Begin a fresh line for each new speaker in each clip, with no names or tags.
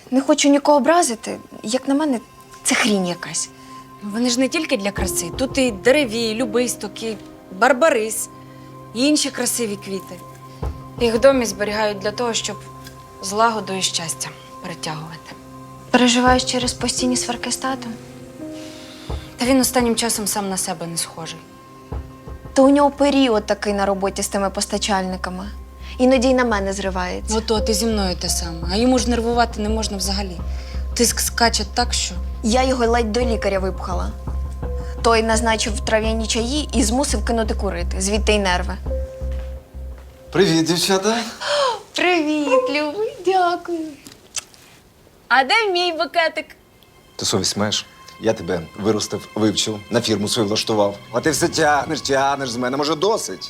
Не хочу нікого образити. Як на мене, це хрінь якась.
Вони ж не тільки для краси. Тут і дереві, і любисток, і барбарис, і інші красиві квіти. Їх в домі зберігають для того, щоб злагоду і щастя перетягувати.
Переживаєш через постійні сварки з татом?
Та він останнім часом сам на себе не схожий.
То у нього період такий на роботі з тими постачальниками. Іноді й на мене зривається.
Ото ти зі мною те саме. А йому ж нервувати не можна взагалі. Тиск скаче так, що…
Я його ледь до лікаря випхала. Той назначив трав'яні чаї і змусив кинути курити. Звідти й нерви.
Привіт, дівчата.
Привіт, любий, дякую.
А де мій букетик?
Ти совість маєш? Я тебе виростив, вивчив, на фірму свою влаштував. А ти все тягнеш з мене, може, досить?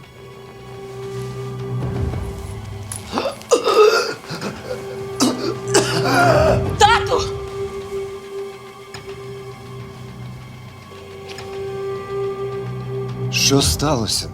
Тату!
Що сталося?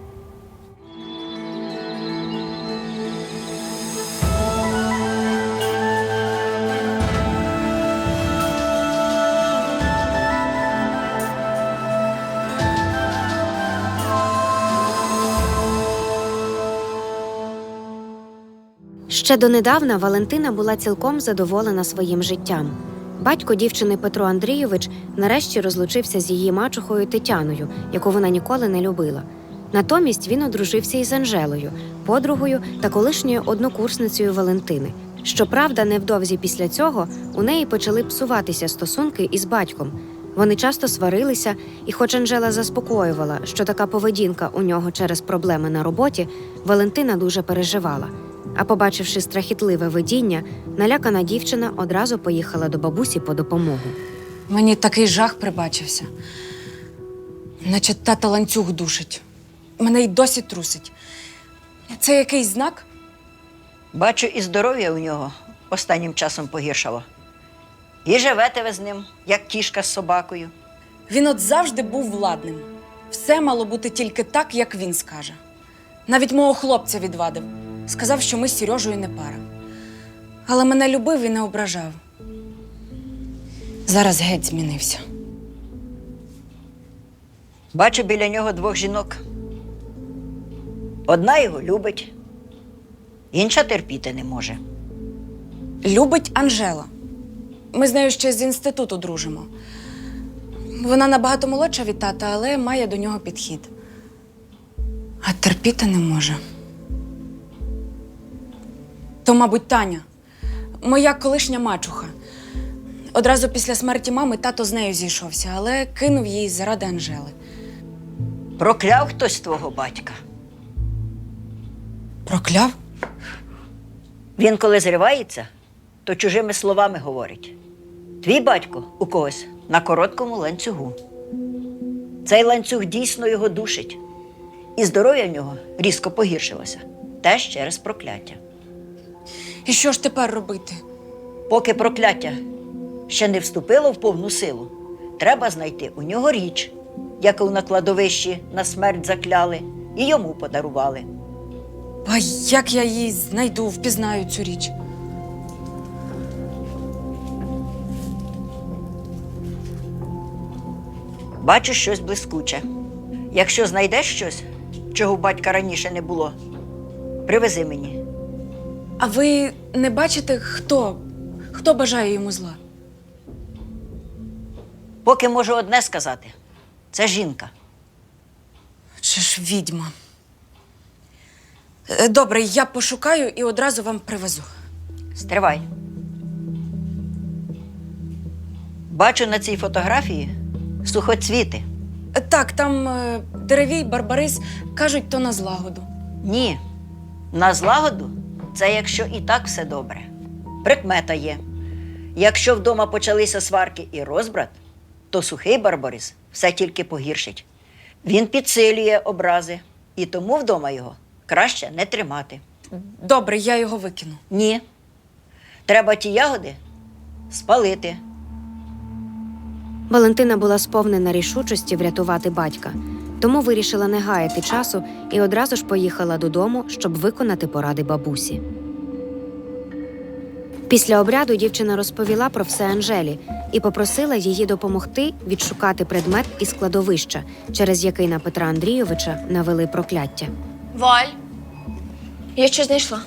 Ще донедавна Валентина була цілком задоволена своїм життям. Батько дівчини Петро Андрійович нарешті розлучився з її мачухою Тетяною, яку вона ніколи не любила. Натомість він одружився із Анжелою, подругою та колишньою однокурсницею Валентини. Щоправда, невдовзі після цього у неї почали псуватися стосунки із батьком. Вони часто сварилися, і хоч Анжела заспокоювала, що така поведінка у нього через проблеми на роботі, Валентина дуже переживала. А побачивши страхітливе видіння, налякана дівчина одразу поїхала до бабусі по допомогу.
Мені такий жах прибачився. Наче тата ланцюг душить. Мене й досі трусить. Це якийсь знак?
Бачу, і здоров'я у нього останнім часом погіршало. І живете ви з ним, як кішка з собакою.
Він от завжди був владним. Все мало бути тільки так, як він скаже. Навіть мого хлопця відвадив. Сказав, що ми з Сережею не пара. Але мене любив і не ображав. Зараз геть змінився.
Бачу біля нього двох жінок. Одна його любить, інша терпіти не може.
Любить Анжела. Ми з нею ще з інституту дружимо. Вона набагато молодша від тата, але має до нього підхід. А терпіти не може. То, мабуть, Таня. Моя колишня мачуха. Одразу після смерті мами тато з нею зійшовся, але кинув її заради Анжели.
Прокляв хтось твого батька.
Прокляв?
Він, коли зривається, то чужими словами говорить. Твій батько у когось на короткому ланцюгу. Цей ланцюг дійсно його душить. І здоров'я в нього різко погіршилося. Теж через прокляття.
І що ж тепер робити?
Поки прокляття ще не вступило в повну силу, треба знайти у нього річ, яку на кладовищі на смерть закляли і йому подарували.
А як я її знайду, впізнаю цю річ?
Бачу щось блискуче. Якщо знайдеш щось, чого у батька раніше не було, привези мені.
А ви не бачите, хто бажає йому зла?
Поки можу одне сказати. Це жінка.
Чи ж відьма? Добре, я пошукаю і одразу вам привезу.
Стривай. Бачу на цій фотографії сухоцвіти.
Так, там деревій, барбарис, кажуть, то на злагоду.
Ні. На злагоду – це якщо і так все добре. Прикмета є. Якщо вдома почалися сварки і розбрат, то сухий барбарис все тільки погіршить. Він підсилює образи, і тому вдома його краще не тримати.
Добре, я його викину.
Ні. Треба ті ягоди спалити.
Валентина була сповнена рішучості врятувати батька, тому вирішила не гаяти часу і одразу ж поїхала додому, щоб виконати поради бабусі. Після обряду дівчина розповіла про все Анжелі і попросила її допомогти відшукати предмет із кладовища, через який на Петра Андрійовича навели прокляття.
Валь, я щось знайшла.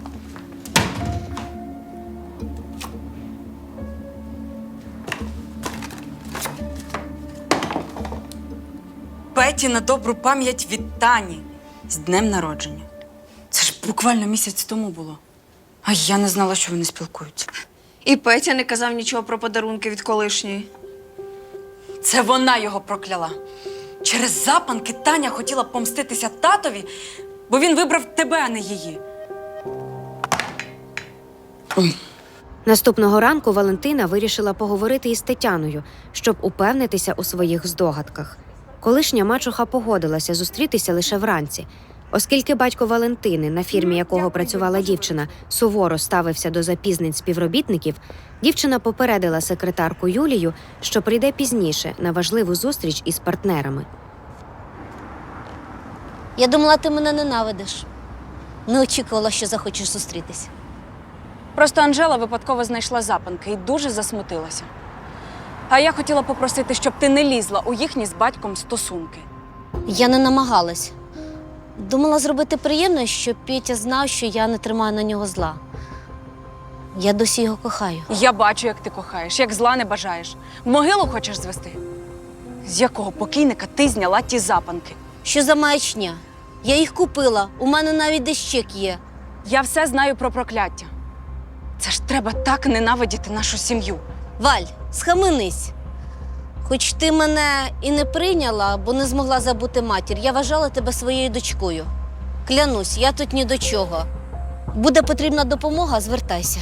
Петі на добру пам'ять від Тані з днем народження. Це ж буквально місяць тому було. А я не знала, що вони спілкуються.
І Петя не казав нічого про подарунки від колишньої.
Це вона його прокляла. Через запанки Таня хотіла помститися татові, бо він вибрав тебе, а не її.
Наступного ранку Валентина вирішила поговорити із Тетяною, щоб упевнитися у своїх здогадках. Колишня мачуха погодилася зустрітися лише вранці. Оскільки батько Валентини, на фірмі якого працювала дівчина, суворо ставився до запізнень співробітників, дівчина попередила секретарку Юлію, що прийде пізніше на важливу зустріч із партнерами.
Я думала, ти мене ненавидиш. Не очікувала, що захочеш зустрітись.
Просто Анжела випадково знайшла запанки і дуже засмутилася. А я хотіла попросити, щоб ти не лізла у їхні з батьком стосунки.
Я не намагалась. Думала зробити приємно, щоб Петя знав, що я не тримаю на нього зла. Я досі його кохаю.
Я бачу, як ти кохаєш, як зла не бажаєш. В могилу хочеш звести? З якого покійника ти зняла ті запанки?
Що за маячня? Я їх купила, у мене навіть десь чек є.
Я все знаю про прокляття. Це ж треба так ненавидіти нашу сім'ю.
Валь, схаменись. Хоч ти мене і не прийняла, бо не змогла забути матір, я вважала тебе своєю дочкою. Клянусь, я тут ні до чого. Буде потрібна допомога, звертайся.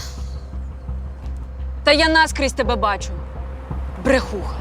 Та я наскрізь тебе бачу. Брехуха.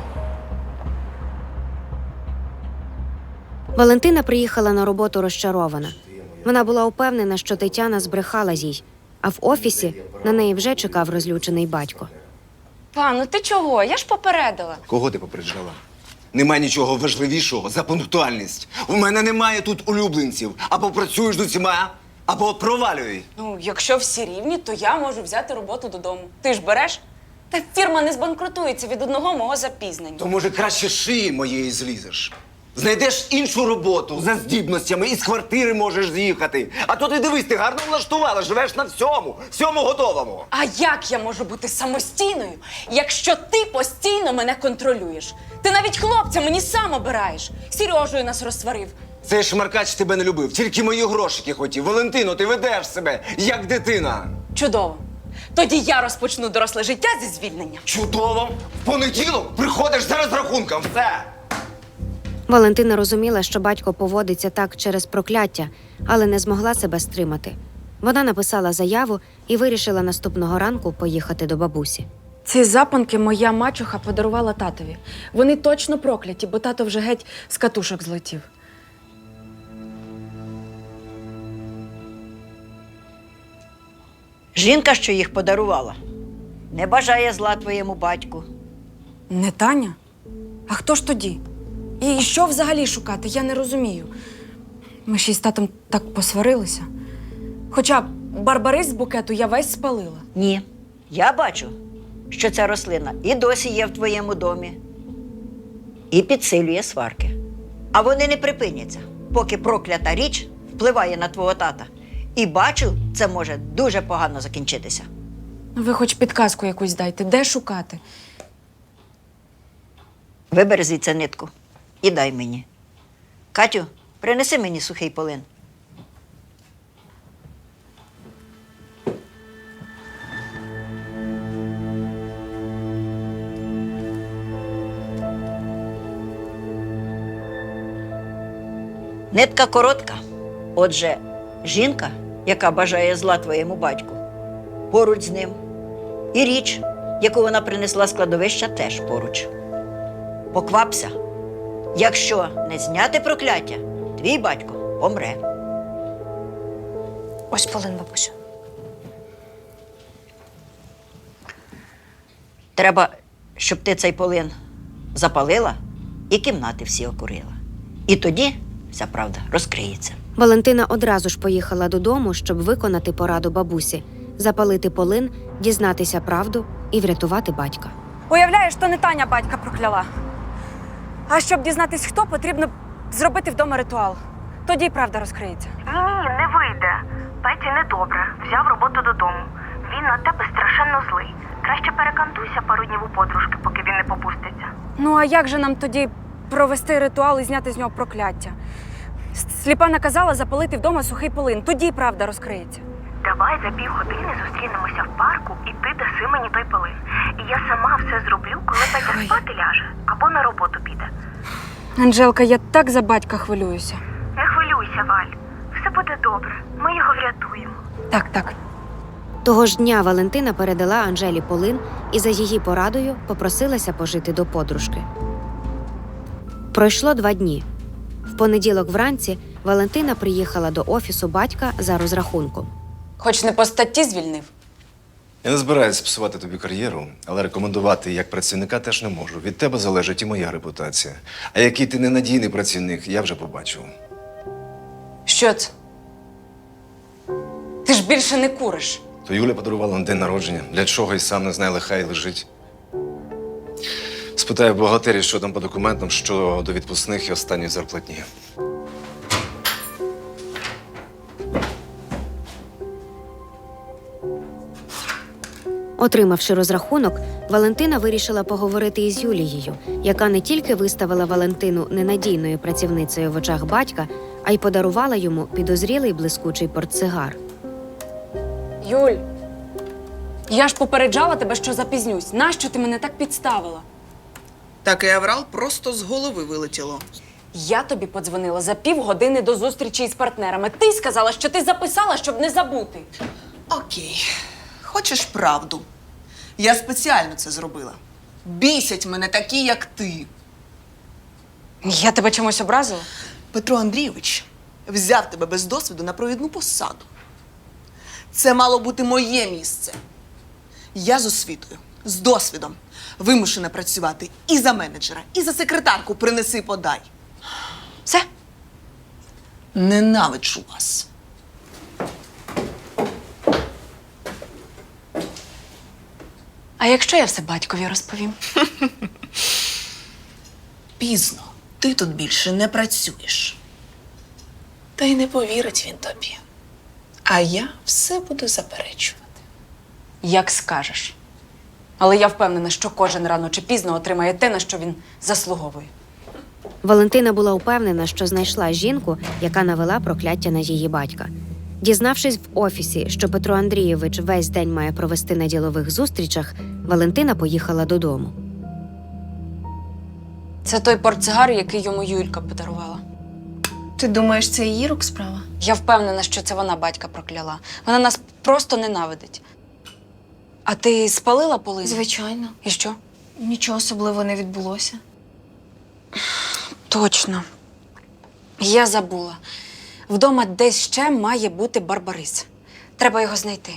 Валентина приїхала на роботу розчарована. Вона була упевнена, що Тетяна збрехала їй, а в офісі на неї вже чекав розлючений батько.
Па, ну ти чого? Я ж попередила.
Кого ти попереджала? Немає нічого важливішого за пунктуальність. У мене немає тут улюбленців. Або працюєш з усіма, або провалюй.
Ну, якщо всі рівні, то я можу взяти роботу додому. Ти ж береш? Та фірма не збанкрутується від одного мого запізнення.
То, може, краще з шиї моєї злізеш. Знайдеш іншу роботу за здібностями і з квартири можеш з'їхати. А то ти дивись, ти гарно влаштувала, живеш на всьому готовому.
А як я можу бути самостійною, якщо ти постійно мене контролюєш? Ти навіть хлопця мені сам обираєш. Сережею нас розсварив.
Цей шмаркач тебе не любив, тільки мої грошики хотів. Валентино, ти ведеш себе, як дитина.
Чудово. Тоді я розпочну доросле життя зі звільнення.
Чудово! В понеділок приходиш за розрахунком, все!
Валентина розуміла, що батько поводиться так через прокляття, але не змогла себе стримати. Вона написала заяву і вирішила наступного ранку поїхати до бабусі.
Ці запанки моя мачуха подарувала татові. Вони точно прокляті, бо тато вже геть з катушок злетів.
Жінка, що їх подарувала, не бажає зла твоєму батьку.
Не Таня? А хто ж тоді? І що взагалі шукати? Я не розумію. Ми ще й з татом так посварилися. Хоча барбарис з букету я весь спалила.
Ні, я бачу, що ця рослина і досі є в твоєму домі, і підсилює сварки. А вони не припиняться, поки проклята річ впливає на твого тата. І бачу, це може дуже погано закінчитися.
Ви хоч підказку якусь дайте, де шукати?
Вибери звідси нитку і дай мені. Катю, принеси мені сухий полин. Нитка коротка. Отже, жінка, яка бажає зла твоєму батьку, поруч з ним. І річ, яку вона принесла з кладовища, теж поруч. Поквапся. Якщо не зняти прокляття, твій батько помре.
Ось полин, бабусю.
Треба, щоб ти цей полин запалила і кімнати всі окурила. І тоді вся правда розкриється.
Валентина одразу ж поїхала додому, щоб виконати пораду бабусі. запалити полин, дізнатися правду і врятувати батька.
Уявляєш, то не Таня батька прокляла. А щоб дізнатись, хто, потрібно зробити вдома ритуал. Тоді й правда розкриється.
Ні, не вийде. Петі недобре. Взяв роботу додому. Він на тебе страшенно злий. Краще перекантуйся пару днів у подружки, поки він не попуститься.
Ну а як же нам тоді провести ритуал і зняти з нього прокляття? Сліпа наказала запалити вдома сухий полин. Тоді й правда розкриється.
Давай за півгодини зустрінемося в парку, і ти даси мені той полин. І я сама все зроблю, коли Петя спати ляже або на роботу піде.
Анжелка, я так за батька хвилююся.
Не хвилюйся, Валь. Все буде добре. Ми його врятуємо.
Так.
Того ж дня Валентина передала Анжелі полин і за її порадою попросилася пожити до подружки. Пройшло 2 дні. В понеділок вранці Валентина приїхала до офісу батька за розрахунком.
Хоч не по статті звільнив.
Я не збираюся псувати тобі кар'єру, але рекомендувати як працівника теж не можу. Від тебе залежить і моя репутація. А який ти ненадійний працівник, я вже побачив.
Що це? Ти ж більше не куриш.
То Юля подарувала на день народження. Для чого і сам не знає, лихай лежить. Спитаю бухгалтерії, що там по документам, що до відпускних і останньої зарплатні.
Отримавши розрахунок, Валентина вирішила поговорити із Юлією, яка не тільки виставила Валентину ненадійною працівницею в очах батька, а й подарувала йому підозрілий блискучий портсигар.
Юль, я ж попереджала тебе, що запізнюсь. Нащо ти мене так підставила?
Такий аврал просто з голови вилетіло.
Я тобі подзвонила за півгодини до зустрічі із партнерами. Ти сказала, що ти записала, щоб не забути.
Окей. Хочеш правду? Я спеціально це зробила. Бісять мене такі, як ти.
Я тебе чимось образила?
Петро Андрійович взяв тебе без досвіду на провідну посаду. Це мало бути моє місце. Я з освітою, з досвідом вимушена працювати і за менеджера, і за секретарку принеси-подай.
Все?
Ненавиджу вас.
А якщо я все батькові розповім?
Пізно. Ти тут більше не працюєш. Та й не повірить він тобі. А я все буду заперечувати.
Як скажеш. Але я впевнена, що кожен рано чи пізно отримає те, на що він заслуговує.
Валентина була впевнена, що знайшла жінку, яка навела прокляття на її батька. Дізнавшись в офісі, що Петро Андрійович весь день має провести на ділових зустрічах, Валентина поїхала додому.
Це той портсигар, який йому Юлька подарувала.
Ти думаєш, це її рук справа?
Я впевнена, що це вона батька прокляла. Вона нас просто ненавидить. А ти спалила полину?
Звичайно.
І що?
Нічого особливого не відбулося.
Точно. Я забула. Вдома десь ще має бути Барбарис. Треба його знайти.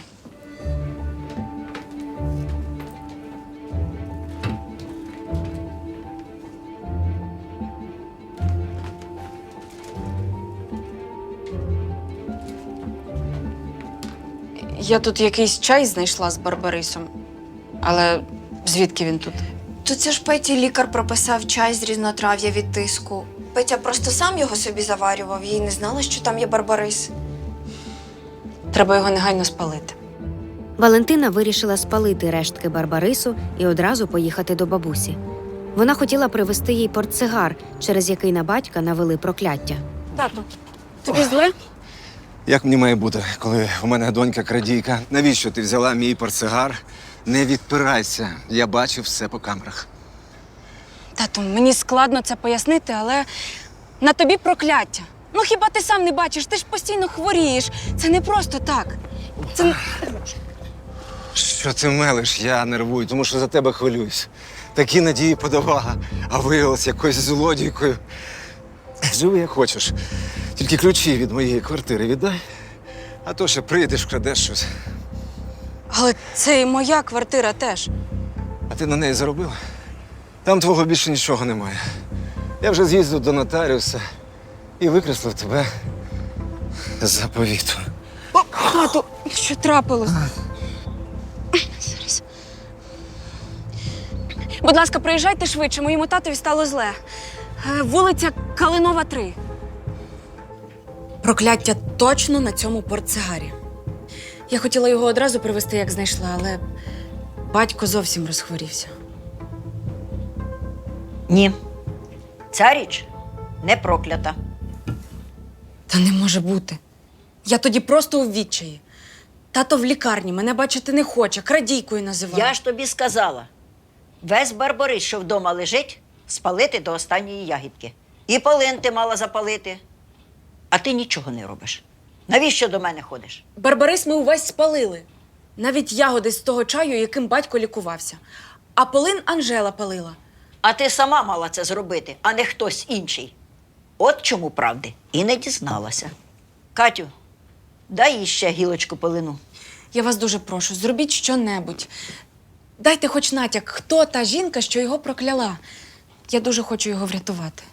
Я тут якийсь чай знайшла з Барбарисом. Але звідки він тут?
То це ж Петі лікар прописав чай з різнотрав'я від тиску. Петя просто сам його собі заварював, я й не знала, що там є барбарис.
Треба його негайно спалити.
Валентина вирішила спалити рештки барбарису і одразу поїхати до бабусі. Вона хотіла привезти їй портсигар, через який на батька навели прокляття.
Тату, тобі зле?
Як мені має бути, коли у мене донька крадійка? Навіщо ти взяла мій портсигар? Не відпирайся, я бачив все по камерах.
Тату, мені складно це пояснити, але на тобі прокляття. Ну хіба ти сам не бачиш? Ти ж постійно хворієш. Це не просто так. Це...
Що ти мелиш? Я нервую, тому що за тебе хвилююсь. Такі надії подавала, а виявилась якоюсь злодійкою. Живи як хочеш. Тільки ключі від моєї квартири віддай, а то ще прийдеш, крадеш щось.
Але це і моя квартира теж.
А ти на неї заробила? Там твого більше нічого немає. Я вже з'їздив до нотаріуса і викреслив тебе з заповіту.
Тату, що трапилось? Будь ласка, приїжджайте швидше, моєму татові стало зле. Вулиця Калинова, 3. Прокляття точно на цьому портсигарі. Я хотіла його одразу привезти, як знайшла, але батько зовсім розхворівся.
Ні. Ця річ не проклята.
Та не може бути. Я тоді просто у відчаї. Тато в лікарні, мене бачити не хоче, крадійкою називає.
Я ж тобі сказала, весь барбарис, що вдома лежить, спалити до останньої ягідки. І полин ти мала запалити. А ти нічого не робиш. Навіщо до мене ходиш?
Барбарис ми увесь спалили. Навіть ягоди з того чаю, яким батько лікувався. А полин Анжела палила.
А ти сама мала це зробити, а не хтось інший. От чому правди і не дізналася. Катю, дай їй ще гілочку полину.
Я вас дуже прошу, зробіть щонебудь. Дайте хоч натяк, хто та жінка, що його прокляла. Я дуже хочу його врятувати.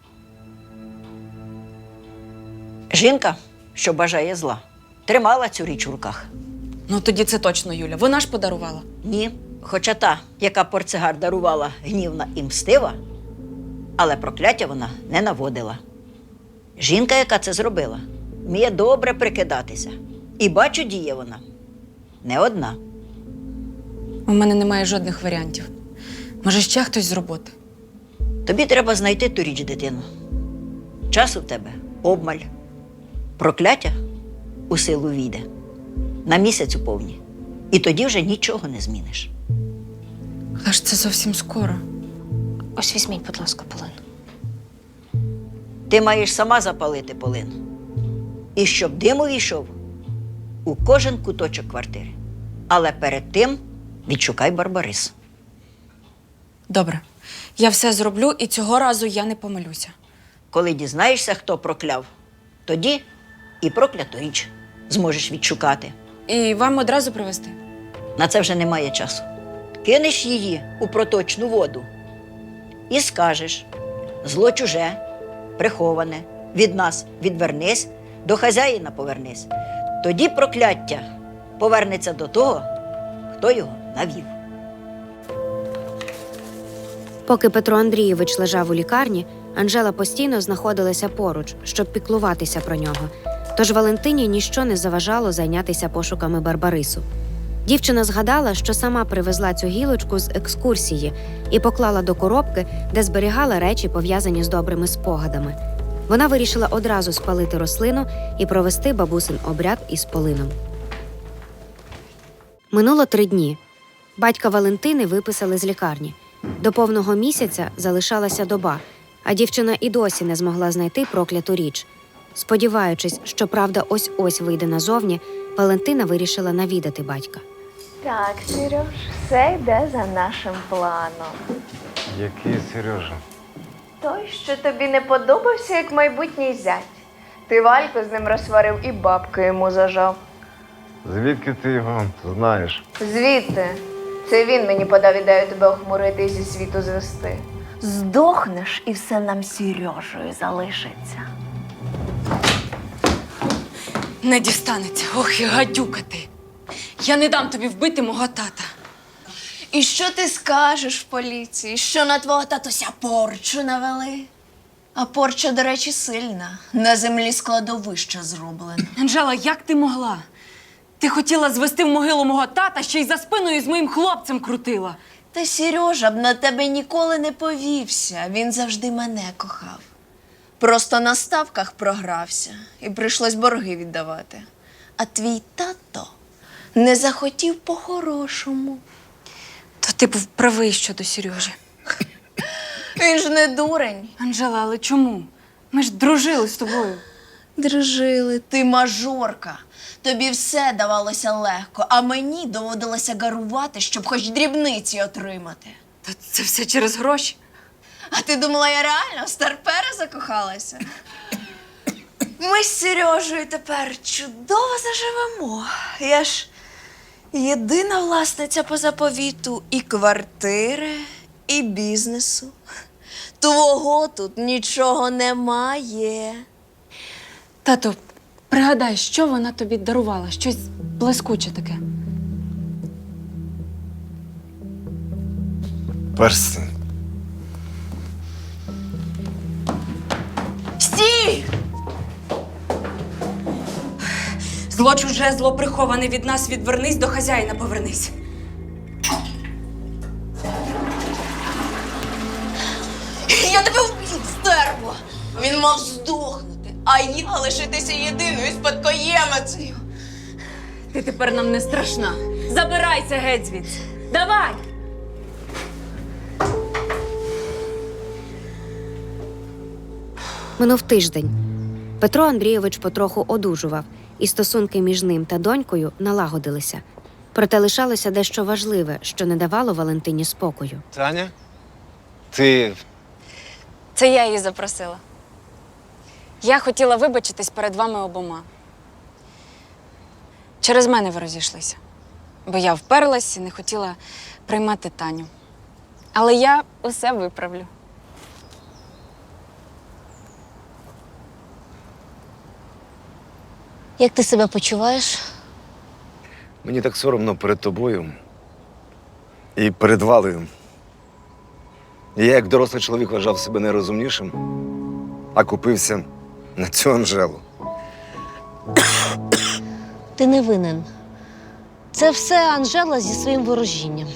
Жінка, що бажає зла, тримала цю річ у руках.
Ну тоді це точно Юля. Вона ж подарувала.
Ні, хоча та, яка портсигар дарувала, гнівна і мстива, але прокляття вона не наводила. Жінка, яка це зробила, вміє добре прикидатися. І бачу, діє вона не одна.
У мене немає жодних варіантів. Може, ще хтось з роботи?
Тобі треба знайти ту річ, дитину. Часу в тебе обмаль. Прокляття у силу війде. На місяць уповні. І тоді вже нічого не зміниш.
Але ж це зовсім скоро.
Ось візьміть, будь ласка, полин.
Ти маєш сама запалити полин. І щоб дим увійшов у кожен куточок квартири. Але перед тим відшукай барбарис.
Добре. Я все зроблю, і цього разу я не помилюся.
Коли дізнаєшся, хто прокляв, тоді і прокляту річ зможеш відшукати.
І вам одразу привезти?
На це вже немає часу. Кинеш її у проточну воду і скажеш: зло чуже, приховане, від нас відвернись, до хазяїна повернись. Тоді прокляття повернеться до того, хто його навів.
Поки Петро Андрійович лежав у лікарні, Анжела постійно знаходилася поруч, щоб піклуватися про нього. Тож Валентині ніщо не заважало зайнятися пошуками Барбарису. Дівчина згадала, що сама привезла цю гілочку з екскурсії і поклала до коробки, де зберігала речі, пов'язані з добрими спогадами. Вона вирішила одразу спалити рослину і провести бабусин обряд із полином. Минуло 3 дні. Батька Валентини виписали з лікарні. До повного місяця залишалася доба, а дівчина і досі не змогла знайти прокляту річ. Сподіваючись, що правда ось-ось вийде назовні, Валентина вирішила навідати батька.
Так, Сереж, все йде за нашим планом.
Який Сережа?
Той, що тобі не подобався, як майбутній зять. Ти Вальку з ним розсварив і бабки йому зажав.
Звідки ти його знаєш?
Звідти. Це він мені подав ідею тебе охмурити і зі світу звести. Здохнеш, і все нам з Сережею залишиться.
Не дістанеться. Ох, і гадюка ти. Я не дам тобі вбити мого тата.
І що ти скажеш в поліції? Що на твого татуся порчу навели? А порча, до речі, сильна. На землі складовища зроблена.
Анжела, як ти могла? Ти хотіла звести в могилу мого тата, ще й за спиною з моїм хлопцем крутила.
Та Сережа б на тебе ніколи не повівся. Він завжди мене кохав. Просто на ставках програвся і прийшлось борги віддавати. А твій тато не захотів по-хорошому.
То ти був правий щодо Сережі.
Він ж не дурень.
Анжела, але чому? Ми ж дружили з тобою.
Дружили, ти мажорка. Тобі все давалося легко, а мені доводилося гарувати, щоб хоч дрібниці отримати.
Та це все через гроші.
А ти думала, я реально в старпера закохалася? Ми з Сережею тепер чудово заживемо. Я ж єдина власниця по заповіту і квартири, і бізнесу. Твого тут нічого немає.
Тато, пригадай, що вона тобі дарувала? Щось блискуче таке.
Перстень.
Стій! Зло чуже, зло приховане від нас, відвернись, до хазяїна повернись.
Я тебе вб'ю, стерво! Він мав здохнути, а я лишитися єдиною спадкоємицею.
Ти тепер нам не страшна. Забирайся геть звідси. Давай!
Минув тиждень. Петро Андрійович потроху одужував, і стосунки між ним та донькою налагодилися. Проте лишалося дещо важливе, що не давало Валентині спокою.
Таня? Ти.
Це я її запросила. Я хотіла вибачитись перед вами обома. Через мене ви розійшлися. Бо я вперлась і не хотіла приймати Таню. Але я усе виправлю.
Як ти себе почуваєш?
Мені так соромно перед тобою і перед Валею. Я, як дорослий чоловік, вважав себе найрозумнішим, а купився на цю Анжелу.
Ти не винен. Це все Анжела зі своїм ворожінням.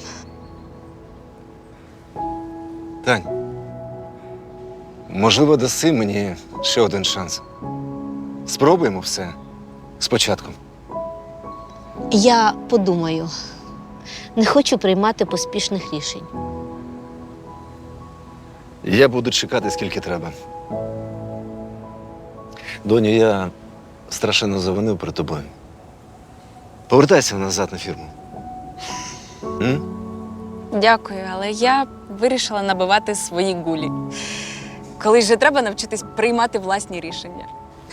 Тань. Можливо, даси мені ще один шанс. Спробуємо все спочатку.
Я подумаю. Не хочу приймати поспішних рішень.
Я буду чекати, скільки треба. Доню, я страшенно завинив перед тобою. Повертайся назад на фірму. М?
Дякую, але я вирішила набивати свої гулі. Колись же треба навчитись приймати власні рішення.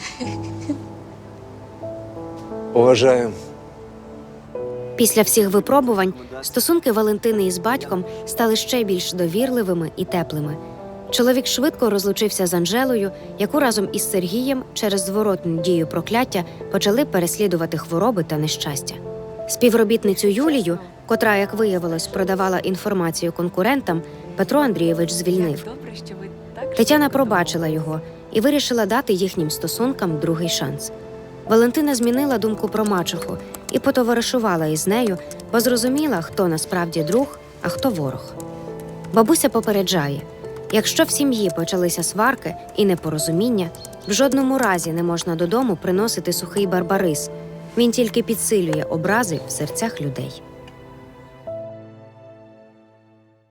Поважаю.
Після всіх випробувань стосунки Валентини із батьком стали ще більш довірливими і теплими. Чоловік швидко розлучився з Анжелою, яку разом із Сергієм через зворотну дію прокляття почали переслідувати хвороби та нещастя. Співробітницю Юлію, котра, як виявилось, продавала інформацію конкурентам, Петро Андрійович звільнив.
Добре, що ви так.
Тетяна пробачила його і вирішила дати їхнім стосункам другий шанс. Валентина змінила думку про мачуху і потоваришувала із нею, бо зрозуміла, хто насправді друг, а хто ворог. Бабуся попереджає, якщо в сім'ї почалися сварки і непорозуміння, в жодному разі не можна додому приносити сухий барбарис. Він тільки підсилює образи в серцях людей.